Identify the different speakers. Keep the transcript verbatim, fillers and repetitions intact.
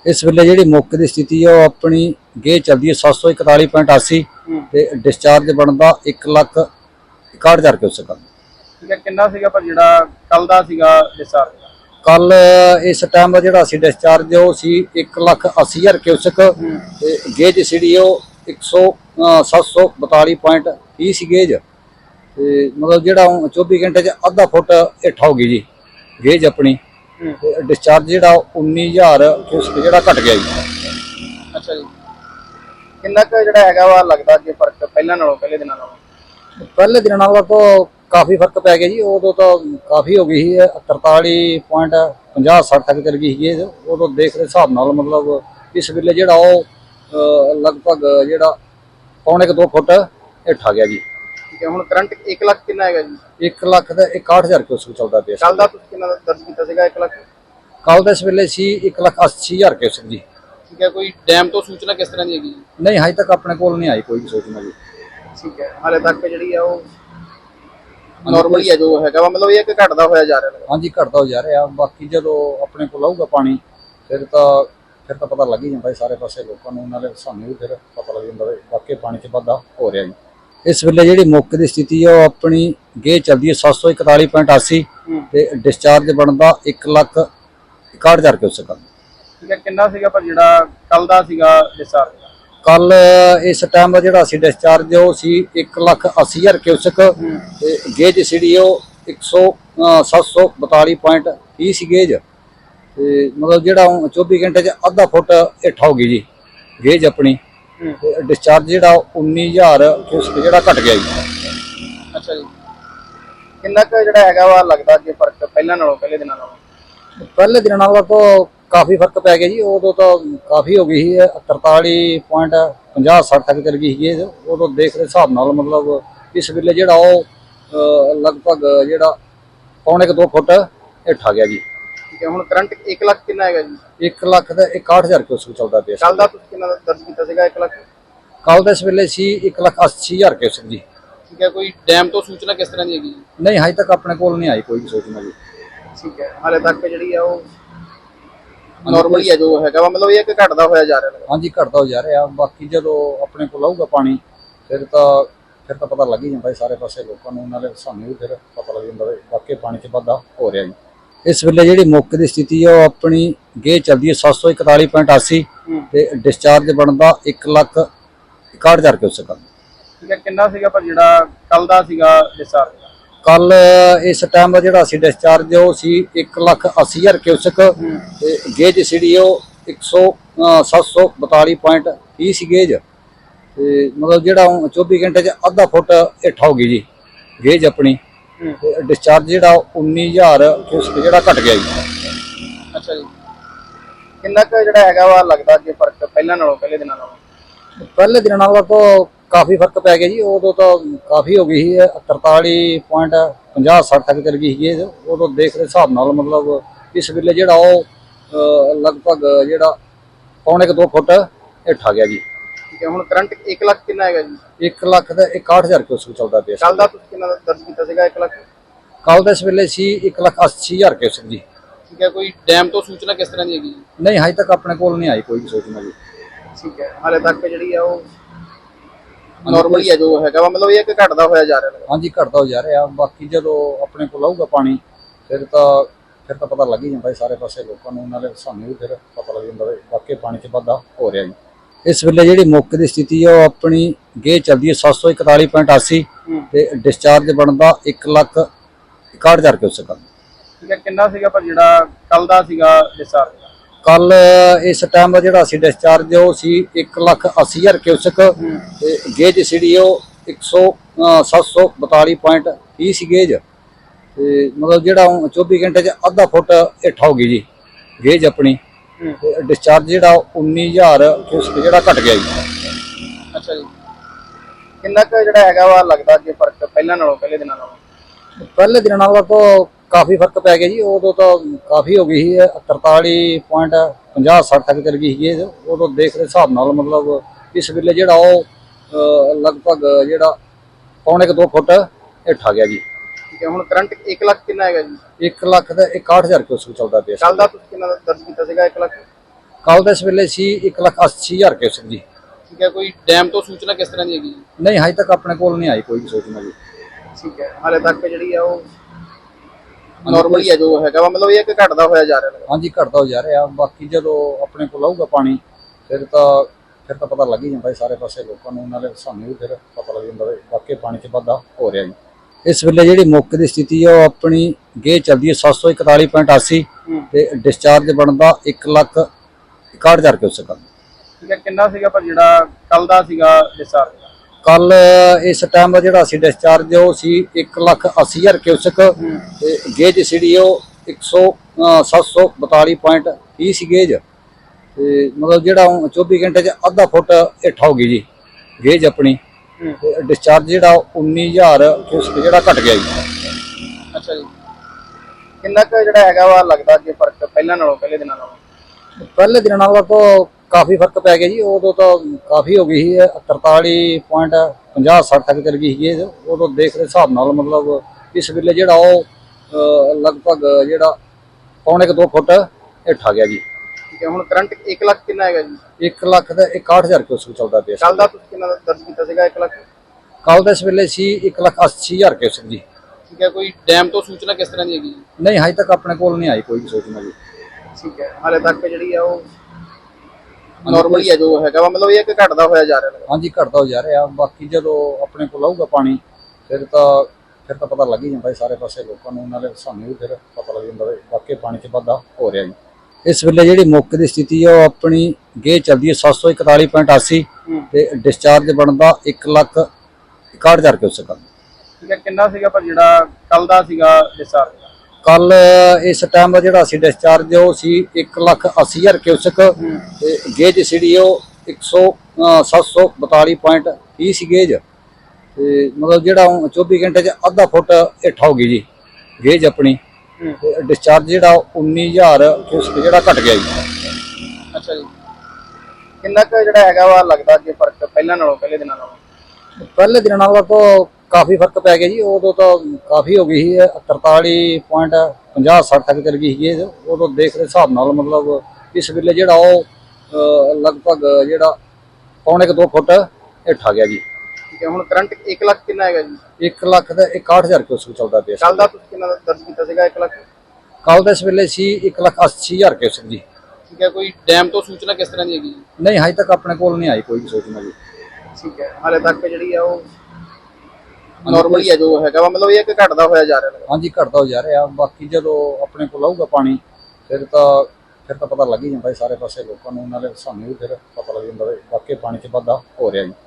Speaker 1: इस वेले जी मौके की स्थिति है अपनी गेज चलती है सत्त सौ इकताली पॉइंट अस्सी ते डिस्चार्ज बनता एक लख इकाहठ हज़ार क्यूसेक।
Speaker 2: ठीक है, कितना सीगा पर जिहड़ा कल दा सीगा डिस्चार्ज?
Speaker 1: कल इस टाइम का जिहड़ा सी डिस्चार्ज वो सी एक लख अस्सी हज़ार क्यूसेक ते गेज सीडी वो एक सौ सत्त सौ बताली पॉइंट तीह सी गेज ते मतलब जिहड़ा चौबी घंटे च अद्धा फुट हेठ होगी जी गेज अपनी। डिस्चार्ज जिहड़ा उन्नी हज़ार क्यूसेक जिहड़ा घट गया जी।
Speaker 2: अच्छा जी, कितना क जिहड़ा हैगा वा लगदा जे फर्क पहले नालों पहले दिनां नालों?
Speaker 1: पहले दिन नालों तो काफ़ी फर्क पै गया जी। उदों तो काफ़ी हो गई है तरताली पॉइंट पंजाह सठ तक चल गई है। उदों देख दे हिसाब नाल मतलब इस वेले जिहड़ा वो लगभग जिहड़ा पौने क दो फुट हेठ आ गया जी।
Speaker 2: ठीक है, हुण करंट एक लाख कितना हैगा जी?
Speaker 1: एक लख ते इकाहठ हज़ार क्यूसेक चलदा पिया।
Speaker 2: कल दा तुसीं कितना दर्ज कीता सीगा? एक लाख
Speaker 1: कल दे इस वेले सी एक लख अस्सी हज़ार क्यूसेक जी।
Speaker 2: ठीक है, कोई डैम तो सूचना किस तरह की हैगी?
Speaker 1: नहीं, हजे तक अपने कोल नहीं आई कोई भी सूचना जी।
Speaker 2: ठीक है, हाले तक जिहड़ी है वो नॉर्मल ही है जो हैगा वा, मतलब ये कि घटदा होया जा रहा है?
Speaker 1: हाँ जी, घटदा हो जा रहा। बाकी जो अपने को आऊगा पानी फिर तो फिर तो पता लग ही जाता सारे पासे लोगों को, नाले सानू भी फिर पता लग जाता बाकी पानी च वाधा हो रहा जी। इस वेले जी मौके की स्थिति है अपनी गेज चलती है सत्त सौ इकताली पॉइंट अस्सी ते डिस्चार्ज बनता एक लख इकाहठ हज़ार क्यूसेक।
Speaker 2: ठीक है, कितना सीगा पर जिहड़ा कल दा सीगा डिस्चार्ज?
Speaker 1: कल इस टाइम का जिहड़ा सी डिस्चार्ज वो सी एक लख अस्सी हज़ार क्यूसेक ते गेज सीडी वो एक सौ सत्त सौ बताली पॉइंट तीह सी गेज ते मतलब जिहड़ा चौबी घंटे च अद्धा फुट हेठ होगी जी गेज अपनी। डिस्चार्ज जिहड़ा उन्नी हज़ार क्यूसेक जिहड़ा घट गया जी।
Speaker 2: अच्छा जी, कितना क जिहड़ा हैगा वा लगदा जे फर्क पहले नालों पहले दिनां नालों?
Speaker 1: पहले दिन नालों तो काफ़ी फर्क पै गया जी। उदों तो काफ़ी हो गई है तरताली पॉइंट पंजाह सठ तक चल गई है। उदों देख दे हिसाब नाल मतलब इस वेले जिहड़ा वो लगभग जिहड़ा पौने क दो फुट हेठ आ गया जी।
Speaker 2: ठीक है, हुण करंट एक लाख कितना हैगा जी?
Speaker 1: एक लख ते इकाहठ हज़ार क्यूसेक चलदा पिया।
Speaker 2: कल दा तुसीं कितना दर्ज कीता सीगा? एक लाख
Speaker 1: कल दे इस वेले सी एक लख अस्सी हज़ार क्यूसेक जी।
Speaker 2: ठीक है, कोई डैम तो सूचना किस तरह की हैगी?
Speaker 1: नहीं, हजे तक अपने कोल नहीं आई कोई भी सूचना जी।
Speaker 2: ठीक है, हाले तक जिहड़ी है वो नॉर्मल ही है जो हैगा वा, मतलब ये कि घटदा होया जा रहा है?
Speaker 1: हाँ जी, घटदा हो जा रहा। बाकी जो अपने को आऊगा पानी फिर तो फिर तो पता लग ही जाता सारे पासे लोगों को, नाले सानू भी फिर पता लग जाता बाकी पानी च वाधा हो रहा जी। इस वेले जी मौके की स्थिति है अपनी गेज चलती है सत्त सौ इकताली पॉइंट अस्सी ते डिस्चार्ज बनता एक लख इकाहठ हज़ार क्यूसेक।
Speaker 2: ठीक है, कितना सीगा पर जिहड़ा कल दा सीगा डिस्चार्ज?
Speaker 1: कल इस टाइम का जिहड़ा सी डिस्चार्ज वो सी एक लख अस्सी हज़ार क्यूसेक ते गेज सीडी वो एक सौ सत्त सौ बताली पॉइंट तीह सी गेज ते मतलब जिहड़ा चौबी घंटे च अद्धा फुट हेठ होगी जी गेज अपनी। डिस्चार्ज जिहड़ा उन्नी हज़ार क्यूसेक जिहड़ा घट गया जी।
Speaker 2: अच्छा जी, कितना क जिहड़ा हैगा वा लगदा जे फर्क पहले नालों पहले दिनां नालों?
Speaker 1: पहले दिन नालों तो काफ़ी फर्क पै गया जी। उदों तो काफ़ी हो गई है तरताली पॉइंट पंजाह सठ तक चल गई है। उदों देख दे हिसाब नाल मतलब इस वेले जिहड़ा वो लगभग जिहड़ा पौने क दो फुट हेठ आ गया जी।
Speaker 2: ठीक है, हुण करंट एक लाख कितना हैगा जी?
Speaker 1: एक लख ते इकाहठ हज़ार क्यूसेक चलदा पिया।
Speaker 2: कल दा तुसीं कितना दर्ज कीता सीगा? एक लाख
Speaker 1: कल दे इस वेले सी एक लख अस्सी हज़ार क्यूसेक जी।
Speaker 2: ठीक है, कोई डैम तो सूचना किस तरह की हैगी?
Speaker 1: नहीं, हजे तक अपने कोल नहीं आई कोई भी सूचना जी।
Speaker 2: ठीक है, हाले तक जिहड़ी है वो नॉर्मल ही है जो हैगा वा, मतलब ये कि घटदा होया जा रहा है?
Speaker 1: हाँ जी, घटदा हो जा रहा। बाकी जो अपने को आऊगा पानी फिर तो फिर तो पता लग ही जाता सारे पासे लोगों को, नाले सानू भी फिर पता लग जाता बाकी पानी च वाधा हो रहा जी। इस वेले जी मौके की स्थिति है अपनी गेज चलती है सत्त सौ इकताली पॉइंट अस्सी ते डिस्चार्ज बनता एक लख इकाहठ हज़ार क्यूसेक।
Speaker 2: ठीक है, कितना सीगा पर जिहड़ा कल दा सीगा डिस्चार्ज?
Speaker 1: कल इस टाइम का जिहड़ा सी डिस्चार्ज वो सी एक लख अस्सी हज़ार क्यूसेक ते गेज सीडी वो एक सौ सत्त सौ बताली पॉइंट तीह सी गेज ते मतलब जिहड़ा चौबी घंटे च अद्धा फुट हेठ होगी जी गेज अपनी। डिस्चार्ज जिहड़ा उन्नी हज़ार क्यूसेक जिहड़ा घट गया जी।
Speaker 2: अच्छा जी, कितना क जिहड़ा हैगा वा लगदा जे फर्क पहले नालों पहले दिनां नालों?
Speaker 1: पहले दिन नालों तो काफ़ी फर्क पै गया जी। उदों तो काफ़ी हो गई है तरताली पॉइंट पंजाह सठ तक चल गई है। उदों देख दे हिसाब नाल मतलब इस वेले जिहड़ा वो लगभग जिहड़ा पौने क दो फुट हेठ आ गया जी।
Speaker 2: ठीक है, हुण करंट एक लाख कितना हैगा जी?
Speaker 1: एक लख ते इकाहठ हज़ार क्यूसेक चलदा पिया।
Speaker 2: कल दा तुसीं कितना दर्ज कीता सीगा? एक लाख
Speaker 1: ਕੱਲ ਦੇ ਇਸ ਵੇਲੇ ਸੀ ਇੱਕ ਲੱਖ ਅੱਸੀ ਹਜ਼ਾਰ ਕਿਊਸਕ ਜੀ।
Speaker 2: ਠੀਕ ਹੈ, ਕੋਈ ਡੈਮ ਤੋਂ ਸੂਚਨਾ ਕਿਸ ਤਰ੍ਹਾਂ ਦੀ ਹੈਗੀ ਜੀ?
Speaker 1: ਨਹੀਂ, ਹਜੇ ਤੱਕ ਆਪਣੇ ਕੋਲ ਨਹੀਂ ਆਈ ਕੋਈ ਵੀ ਸੂਚਨਾ ਜੀ।
Speaker 2: ਠੀਕ ਹੈ, ਹਾਲੇ ਤੱਕ ਜਿਹੜੀ ਆ ਉਹ ਨਾਰਮਲੀ ਹੈ ਜੋ ਹੈਗਾ ਵਾ, ਮਤਲਬ ਇਹ ਹੈ ਕਿ ਘਟਦਾ ਹੋਇਆ ਜਾ ਰਿਹਾ ਹੈ।
Speaker 1: ਹਾਂਜੀ, ਘਟਦਾ ਹੋ ਜਾ ਰਿਹਾ। ਬਾਕੀ ਜਦੋਂ ਆਪਣੇ ਕੋਲ ਆਊਗਾ ਪਾਣੀ ਫਿਰ ਤਾਂ ਫਿਰ ਤਾਂ ਪਤਾ ਲੱਗ ਹੀ ਜਾਂਦਾ ਸਾਰੇ ਪਾਸੇ ਲੋਕਾਂ ਨੂੰ, ਨਾਲੇ ਸਾਨੂੰ ਵੀ ਫਿਰ ਪਤਾ ਲੱਗ ਜਾਂਦਾ ਵੀ ਵਾਕਈ ਪਾਣੀ 'ਚ ਵਾਧਾ ਹੋ ਰਿਹਾ ਜੀ। ਇਸ ਵੇਲੇ ਜਿਹੜੀ ਮੌਕੇ ਦੀ ਸਥਿਤੀ ਹੈ ਉਹ ਆਪਣੀ ਗੇਜ ਚੱਲਦੀ ਹੈ ਸੱਤ ਸੌ ਇਕਤਾਲੀ ਪੁਆਇੰਟ ਅੱਸੀ ਤੇ ਡਿਸਚਾਰਜ ਬਣਦਾ ਇੱਕ ਲੱਖ ਇਕਾਹਠ ਹਜ਼ਾਰ ਕਿਊਸਕ।
Speaker 2: ਠੀਕ ਹੈ, ਕਿੰਨਾ ਸੀਗਾ ਪਰ ਜਿਹੜਾ ਕੱਲ ਦਾ ਸੀਗਾ ਡਿਸਚਾਰਜ?
Speaker 1: ਕੱਲ ਇਸ ਟਾਈਮ ਦਾ ਜਿਹੜਾ ਸੀ ਡਿਸਚਾਰਜ ਉਹ ਸੀ ਇੱਕ ਲੱਖ ਅੱਸੀ ਹਜ਼ਾਰ ਕਿਊਸਕ ਤੇ ਗੇਜ ਸੀ ਉਹ ਇੱਕ ਸੌ ਸੱਤ ਸੌ ਬਤਾਲੀ ਪੁਆਇੰਟ ਤੀਹ ਸੀ ਗੇਜ। ਤੇ ਮਤਲਬ ਜਿਹੜਾ ਚੌਵੀ ਘੰਟੇ 'ਚ ਅੱਧਾ ਫੁੱਟ ਹੇਠ ਹੋ ਗਈ ਜੀ ਗੇਜ ਆਪਣੀ। ਤੇ ਡਿਸਚਾਰਜ ਜਿਹੜਾ ਉੱਨੀ ਹਜ਼ਾਰ ਕਿਊਸਕ ਜਿਹੜਾ ਘਟ ਗਿਆ ਜੀ।
Speaker 2: ਅੱਛਾ ਜੀ, ਕਿੰਨਾ ਕੁ ਜਿਹੜਾ ਹੈਗਾ ਵਾ ਲੱਗਦਾ ਅੱਗੇ ਫਰਕ ਪਹਿਲਾਂ ਨਾਲੋਂ, ਪਹਿਲੇ ਦਿਨਾਂ ਨਾਲੋਂ?
Speaker 1: ਪਹਿਲੇ ਦਿਨਾਂ ਨਾਲੋਂ ਤਾਂ ਕਾਫੀ ਫਰਕ ਪੈ ਗਿਆ ਜੀ। ਉਦੋਂ ਤਾਂ ਕਾਫੀ ਹੋ ਗਈ ਸੀ, ਤਰਤਾਲੀ ਪੁਆਇੰਟ ਪੰਜਾਹ ਸੱਠ ਤੱਕ ਚਲ ਗਈ ਸੀ। ਉਦੋਂ ਦੇਖ ਦੇ ਹਿਸਾਬ ਨਾਲ ਮਤਲਬ ਇਸ ਵੇਲੇ ਜਿਹੜਾ ਉਹ ਲਗਭਗ ਜਿਹੜਾ ਪੌਣੇ ਕੁ ਦੋ ਫੁੱਟ ਹੇਠ ਆ ਗਿਆ ਜੀ।
Speaker 2: ਠੀਕ ਹੈ, ਹੁਣ ਕਰੰਟ ਇੱਕ ਲੱਖ ਕਿੰਨਾ ਹੈਗਾ ਜੀ?
Speaker 1: ਇੱਕ ਲੱਖ ਦਾ ਇਕਾਹਠ ਹਜ਼ਾਰ ਕਿਊਸਕ ਚੱਲਦਾ ਪਿਆ।
Speaker 2: ਕੱਲ ਦਾ ਤੁਸੀਂ ਕਿੰਨਾ ਦਰਜ ਕੀਤਾ ਸੀਗਾ? ਇੱਕ ਲੱਖ?
Speaker 1: ਕੱਲ ਦੇ ਇਸ ਵੇਲੇ ਸੀ ਇੱਕ ਲੱਖ ਅੱਸੀ ਹਜ਼ਾਰ ਕਿਊਸਕ ਜੀ।
Speaker 2: ਠੀਕ ਹੈ, ਕੋਈ ਡੈਮ ਤੋਂ ਸੂਚਨਾ ਕਿਸ ਤਰ੍ਹਾਂ ਦੀ ਹੈਗੀ ਜੀ?
Speaker 1: ਨਹੀਂ, ਹਜੇ ਤੱਕ ਆਪਣੇ ਕੋਲ ਨਹੀਂ ਆਈ ਕੋਈ ਵੀ ਸੂਚਨਾ ਜੀ।
Speaker 2: ਠੀਕ ਹੈ, ਹਾਲੇ ਤੱਕ ਜਿਹੜੀ ਆ ਉਹ ਨਾਰਮਲੀ ਹੈ ਜੋ ਹੈਗਾ ਵਾ, ਮਤਲਬ ਇਹ ਹੈ ਕਿ ਘਟਦਾ ਹੋਇਆ ਜਾ ਰਿਹਾ ਹੈ।
Speaker 1: ਹਾਂਜੀ, ਘਟਦਾ ਹੋ ਜਾ ਰਿਹਾ। ਬਾਕੀ ਜਦੋਂ ਆਪਣੇ ਕੋਲ ਆਊਗਾ ਪਾਣੀ ਫਿਰ ਤਾਂ ਫਿਰ ਤਾਂ ਪਤਾ ਲੱਗ ਹੀ ਜਾਂਦਾ ਸਾਰੇ ਪਾਸੇ ਲੋਕਾਂ ਨੂੰ, ਨਾਲੇ ਸਾਨੂੰ ਵੀ ਫਿਰ ਪਤਾ ਲੱਗ ਜਾਂਦਾ ਵੀ ਵਾਕਈ ਪਾਣੀ 'ਚ ਵਾਧਾ ਹੋ ਰਿਹਾ ਜੀ। ਇਸ ਵੇਲੇ ਜਿਹੜੀ ਮੌਕੇ ਦੀ ਸਥਿਤੀ ਹੈ ਉਹ ਆਪਣੀ ਗੇਜ ਚੱਲਦੀ ਹੈ ਸੱਤ ਸੌ ਇਕਤਾਲੀ ਪੁਆਇੰਟ ਅੱਸੀ ਤੇ ਡਿਸਚਾਰਜ ਬਣਦਾ ਇੱਕ ਲੱਖ ਇਕਾਹਠ ਹਜ਼ਾਰ ਕਿਊਸਕ।
Speaker 2: ਠੀਕ ਹੈ, ਕਿੰਨਾ ਸੀਗਾ ਪਰ ਜਿਹੜਾ ਕੱਲ ਦਾ ਸੀਗਾ ਡਿਸਚਾਰਜ?
Speaker 1: ਕੱਲ ਇਸ ਟਾਈਮ ਦਾ ਜਿਹੜਾ ਸੀ ਡਿਸਚਾਰਜ ਉਹ ਸੀ ਇੱਕ ਲੱਖ ਅੱਸੀ ਹਜ਼ਾਰ ਕਿਊਸਕ ਤੇ ਗੇਜ ਸੀ ਉਹ ਇੱਕ ਸੌ ਸੱਤ ਸੌ ਬਤਾਲੀ ਪੁਆਇੰਟ ਤੀਹ ਸੀ ਗੇਜ। ਤੇ ਮਤਲਬ ਜਿਹੜਾ ਚੌਵੀ ਘੰਟੇ 'ਚ ਅੱਧਾ ਫੁੱਟ ਹੇਠ ਹੋ ਗਈ ਜੀ ਗੇਜ ਆਪਣੀ। ਤੇ ਡਿਸਚਾਰਜ ਜਿਹੜਾ ਉੱਨੀ ਹਜ਼ਾਰ ਕਿਊਸਕ ਜਿਹੜਾ ਘਟ ਗਿਆ ਜੀ।
Speaker 2: ਅੱਛਾ ਜੀ, ਕਿੰਨਾ ਕੁ ਜਿਹੜਾ ਹੈਗਾ ਵਾ ਲੱਗਦਾ ਅੱਗੇ ਫਰਕ ਪਹਿਲਾਂ ਨਾਲੋਂ, ਪਹਿਲੇ ਦਿਨਾਂ ਨਾਲੋਂ?
Speaker 1: ਪਹਿਲੇ ਦਿਨਾਂ ਨਾਲੋਂ ਤਾਂ ਕਾਫੀ ਫਰਕ ਪੈ ਗਿਆ ਜੀ। ਉਦੋਂ ਤਾਂ ਕਾਫੀ ਹੋ ਗਈ ਸੀ, ਤਰਤਾਲੀ ਪੁਆਇੰਟ ਪੰਜਾਹ ਸੱਠ ਤੱਕ ਚਲ ਗਈ ਸੀ। ਉਦੋਂ ਦੇਖ ਦੇ ਹਿਸਾਬ ਨਾਲ ਮਤਲਬ ਇਸ ਵੇਲੇ ਜਿਹੜਾ ਉਹ ਲਗਭਗ ਜਿਹੜਾ ਪੌਣੇ ਕੁ ਦੋ ਫੁੱਟ ਹੇਠ ਆ ਗਿਆ ਜੀ।
Speaker 2: ਠੀਕ ਹੈ, ਹੁਣ ਕਰੰਟ ਇੱਕ ਲੱਖ ਕਿੰਨਾ ਹੈਗਾ ਜੀ?
Speaker 1: ਇੱਕ ਲੱਖ ਦਾ ਇਕਾਹਠ ਹਜ਼ਾਰ ਕਿਊਸਕ ਚੱਲਦਾ ਪਿਆ।
Speaker 2: ਕੱਲ ਦਾ ਤੁਸੀਂ ਕਿੰਨਾ ਦਰਜ ਕੀਤਾ ਸੀਗਾ? ਇੱਕ ਲੱਖ?
Speaker 1: ਕੱਲ ਦੇ ਇਸ ਵੇਲੇ ਸੀ ਇੱਕ ਲੱਖ ਅੱਸੀ ਹਜ਼ਾਰ ਕਿਊਸਕ ਜੀ।
Speaker 2: ਠੀਕ ਹੈ, ਕੋਈ ਡੈਮ ਤੋਂ ਸੂਚਨਾ ਕਿਸ ਤਰ੍ਹਾਂ ਦੀ ਹੈਗੀ ਜੀ?
Speaker 1: ਨਹੀਂ, ਹਜੇ ਤੱਕ ਆਪਣੇ ਕੋਲ ਨਹੀਂ ਆਈ ਕੋਈ ਵੀ ਸੂਚਨਾ ਜੀ।
Speaker 2: ਠੀਕ ਹੈ, ਹਾਲੇ ਤੱਕ ਜਿਹੜੀ ਆ ਉਹ ਨਾਰਮਲੀ ਹੈ ਜੋ ਹੈਗਾ ਵਾ, ਮਤਲਬ ਇਹ ਹੈ ਕਿ ਘਟਦਾ ਹੋਇਆ ਜਾ ਰਿਹਾ ਹੈ।
Speaker 1: ਹਾਂਜੀ, ਘਟਦਾ ਹੋ ਜਾ ਰਿਹਾ। ਬਾਕੀ ਜਦੋਂ ਆਪਣੇ ਕੋਲ ਆਊਗਾ ਪਾਣੀ ਫਿਰ ਤਾਂ ਫਿਰ ਤਾਂ ਪਤਾ ਲੱਗ ਹੀ ਜਾਂਦਾ ਸਾਰੇ ਪਾਸੇ ਲੋਕਾਂ ਨੂੰ, ਨਾਲੇ ਸਾਨੂੰ ਵੀ ਫਿਰ ਪਤਾ ਲੱਗ ਜਾਂਦਾ ਵੀ ਵਾਕਈ ਪਾਣੀ 'ਚ ਵਾਧਾ ਹੋ ਰਿਹਾ ਜੀ।